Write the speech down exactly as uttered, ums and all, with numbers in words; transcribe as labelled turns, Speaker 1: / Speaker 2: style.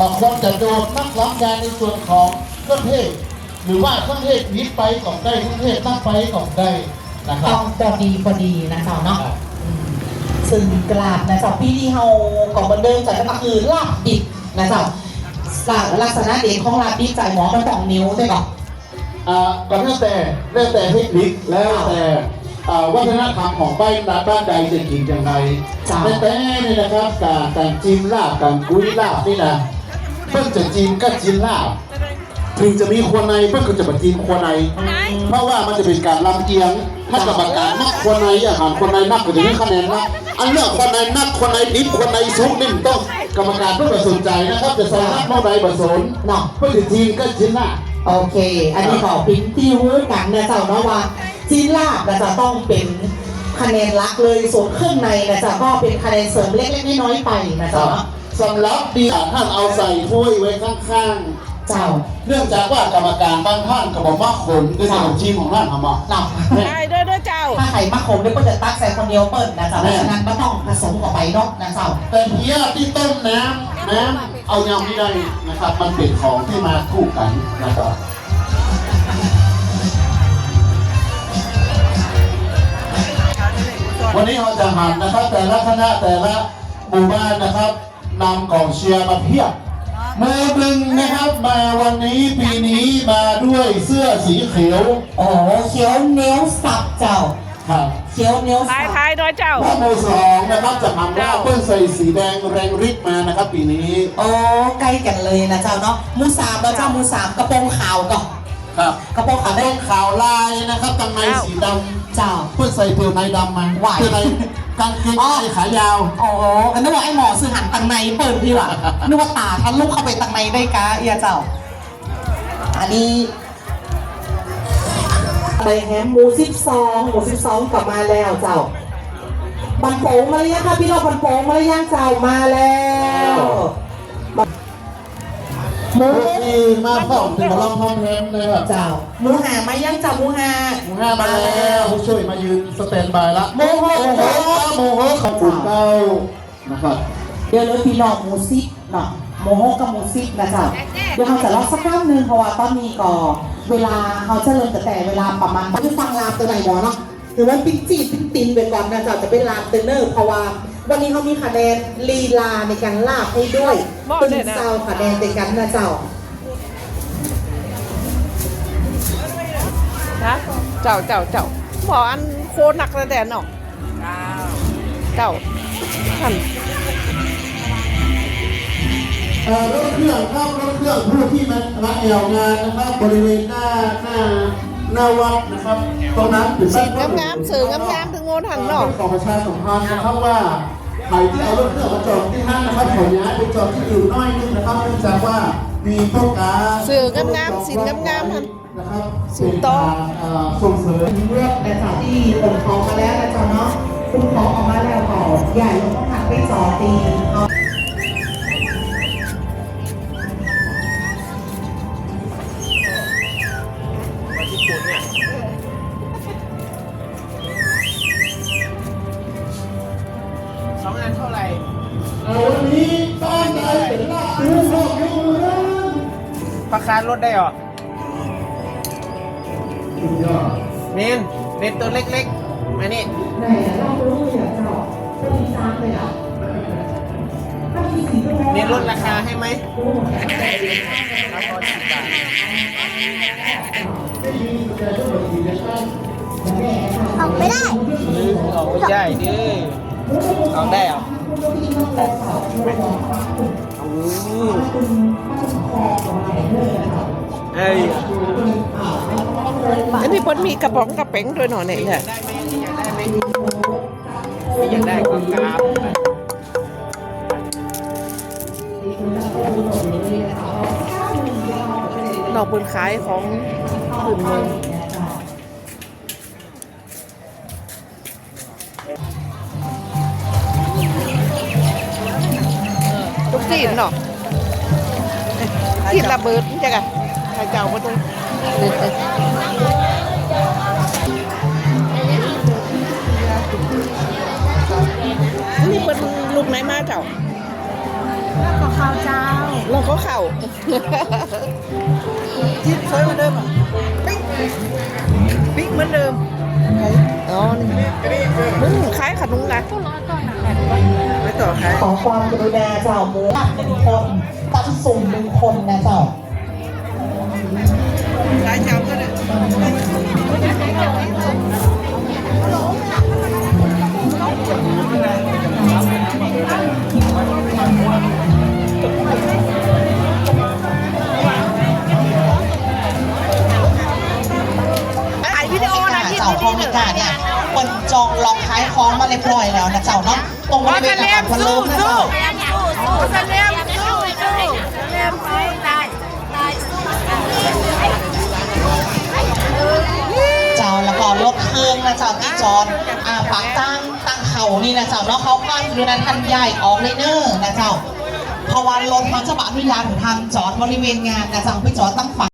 Speaker 1: คนจะโดนนักล้ำยาในส่วนของเครื่องเทศหรือว่าเครื่องเทศนิดไปของได้เครื่องเทศตั้งไปของได้นะครับ
Speaker 2: ต้องพอดีพอดีนะเจ้าเนาะซึ่งกลาบนะเจ้าพี่ที่เฮาก่อนบันเดิมจากก็คือลาบดิบนะเจ้าลักษณะเด่นของลาบดิบจ่ายหมอมันต้องนิ้วใช่ป่ะ
Speaker 1: อ่าก็แล้วแต่แล้วแต่เทคนิคแล้วแต่วัฒนธรรมของบ้านบ้านใดจะกินอย่างไรแต่แต่นี่นะครับการการจิ้มลาบการกุ้ยลาบนี่นะเพิ่งจะจิ้มก็จิ้มลาบถึงจะมีครัวในเพิ่งจะมาจิ้มครัวในเพราะว่ามันจะเป็นการลำเอียงถ้ากรรมการนักครัวในอาหารครัวในนักก็จะมีคะแนนนักอันเลือกครัวในนักครัวในดิบครัวในซุปนี่ต้องกรรมการเพื่อสนใจนะครับจะใส่นักเมื่อใดผสมเนาะเพื่อจะจิ้มก็จิ้มลาบ
Speaker 2: โอเค อันนี้ขอพิมพ์ที่รู้กันนะเจ้าเนาะว่าจีนลาบนะจะต้องเป็นคะแนนหลักเลยส่วนเครื่องในนะจะก็เป็นคะแนนเสริมเล็กๆน้อยๆไปนะเจ้า
Speaker 1: สำหรับดีท่านเอาใส่ถ้วยไว้ข้างๆ
Speaker 2: เจ้า
Speaker 1: เนื่องจากว่ากรรมการบางท่านก็บอกว่าขมด้วยขนมจีนของท่านทำมา
Speaker 2: เนาะ
Speaker 3: ได้ด้วยด้วยเจ้า
Speaker 2: ถ้าไข่มะขมเนี่ยก็จะตักใส่คนเดียวเปิดนะเจ้าเพราะฉะนั้นไม่ต้องผสมกับไปนกนะเจ้า
Speaker 1: แต่เพี้ยที่ต้มน้ำน้ำเอายังไม่ได้นะครับมันเป็นของที่มาคู่กันนะครับวันนี้เราจะหันนะครับแต่ละคณะแต่ละหมู่บ้านนะครับนำกองเชียร์มาเพียบมือหนึ่งนะครับมาวันนี้ปีนี้มาด้วยเสื้อสีเขียว
Speaker 2: โอ้เขียวเนี้ยวสับเจ้า
Speaker 1: ครับ
Speaker 2: เขียวเนี้ยวสับ
Speaker 3: ท้ายท้ายด้วยเจ้า
Speaker 1: และมือสองนะครับจะทำว่าเพิ่งใส่สีแดงแรงฤทธิ์มานะครับปีนี้
Speaker 2: โอ้ใกล้กันเลยนะเจ้าเนาะมูสามแล้วเจ้ามูสามกระโปรงขาวก่อน
Speaker 1: ครับ
Speaker 2: กระโปรงขาวได้
Speaker 1: ขาวลายนะครับตังในสีดำ
Speaker 2: เจ้า
Speaker 1: เพื่อใส่เปลือกในดำมาเพื่อในกางเกงในขายาว
Speaker 2: โอ้โหอันนั้นว่าไอ้หมอซื้อหันตังในเปิดพี่ว่ะนึกว่าตาทันลูกเข้าไปตังในได้กะเอียเจ้าอันนี้ไปแฮมหมูสิบสองหมูสิบสองกลับมาแล้วเจ้าบันโป่งมาเลยค่ะพี่น้องบันโป่งมาเลยย่างเจ้ามาแล้ว
Speaker 1: หมูที่มาพร้อมถึงมาลองพร้อมแฮมเลยครับ
Speaker 2: เจ้าหมูหามาย่างเจ้าหมูหา
Speaker 1: หมูหามาแล้วผู้ช่วยมายืนสแตนบายละ
Speaker 2: หมูโห
Speaker 1: หมูโหขอบคุณเจ้านะครับ
Speaker 2: เดี๋ยวเลยพี่น้องหมูซิปเนาะหมูโหกับหมูซิปนะเจ้าเดี๋ยวเราจะลองสักครั้งหนึ่งเพราะว่าตอนนี้ก็เวลาเขาจะเริ่มแต่เวลาประมาณจะฟังลามตัวไหนบอเนาะหรือว่าปิ้งจีปิ้งตินไปก่อนนะเจ้าจะเป็นลามเตเนอร์เพราะว่าวันนี้เขามีคะแนนลีลาในการลาบให้ด้วยเป็นเจ้าคะแนนในการนะเจ้า
Speaker 3: นะเจ้าเจ้าเจ้าหมออันโคหนักระแดนเนาะเจ้าท่าน
Speaker 1: รถเครื่องครับรถเครื่องผู้ที่มาละแอวงานนะครับบริเวณหน้าหน้าหน้าวัดนะครับตรงนั้นเป็น
Speaker 3: สีงามงามสื่องามงามถึงโงหันเนาะ
Speaker 1: ของประชาสัมพันธ์นะครับว่าใครที่เอารถเครื่องมาจอดที่ห้างนะครับขอย้ายไปจอดที่อื่นน้อยนึงนะครับเนื่องจากว่ามีพวกการ
Speaker 3: สื่องามงามสีงามงามท่าน
Speaker 1: นะครับ
Speaker 3: สีโต
Speaker 1: ส่งเสริม
Speaker 2: เลือกแต่สาวที่ผมขอมาแล้วนะจ๊ะเนาะคุณขอออกมาแล้วก่อนใหญ่ลงต้องหักไปสองตี
Speaker 3: สองอันเท่าไหร่
Speaker 1: วันนี้บ้านใดเป็นลาบดูหอกอยู่นะ
Speaker 3: ราคาลดได้หรอเน้นเน้นตัวเล็กๆมานี่
Speaker 2: ไหนเรารู้อย่างเจ้าจะมีซ้ำเลยอ่ะ
Speaker 3: เน้นลดราคาให้ไหม
Speaker 4: ออกไม่ได้
Speaker 3: ออกไม่ได้ดิออกได้เหรอเอ้ยอันนี้มันมีกระป๋องกระเป๋งด้วยหน่อยเนี่ยได้ไหมอยากได้ไหมอยากได้ก็กราบนอกบนขายของอื่นเมืองทุกที่เนาะที่ระเบิดนี่จ้ะกันใครเจ้ามาตรงนี่เป็นลูกไหนมาเจ้า
Speaker 4: แล้วก็ข้าวเจ้า
Speaker 3: แล้วก็เข่าจิ๊บสวยเหมือนเดิมอ่ะปิ๊กปิ๊กเหมือนเดิมอ๋อนี่มึงคล้ายขนุนนะไม่ต่อคล้าย
Speaker 2: ขอความกรุณาเจ้าหมูหนึ่งคนตั้งสุ่มหนึ่งคนนะเจ้า
Speaker 3: คล้ายเจ้าก็เลยถ่ายวิดีโอนะที่
Speaker 2: เจ้า
Speaker 3: ที่
Speaker 2: พอมิกาเนี่ยคนจองล็อกท้ายคล้องมาเรียบร้อยแล้วนะเจ้าเนาะตรงบริเวณอาคารพะเลิมนะเจ้า
Speaker 3: จะเลี้ยมสู้สู้เลี้ยมไปตายตายสู้
Speaker 2: เจ้าแล้วก็รถเครื่องนะเจ้าที่จอดอ่าปักตั้งตั้งเขานี่นะเจ้าเนาะเขาก็คือนั้นทันใหญ่ออกเลยเนอร์นะเจ้าเพราะว่ารถเขาจะบะพิลานทางจอดบริเวณงานนะเจ้าพี่จอดตั้งฝั่ง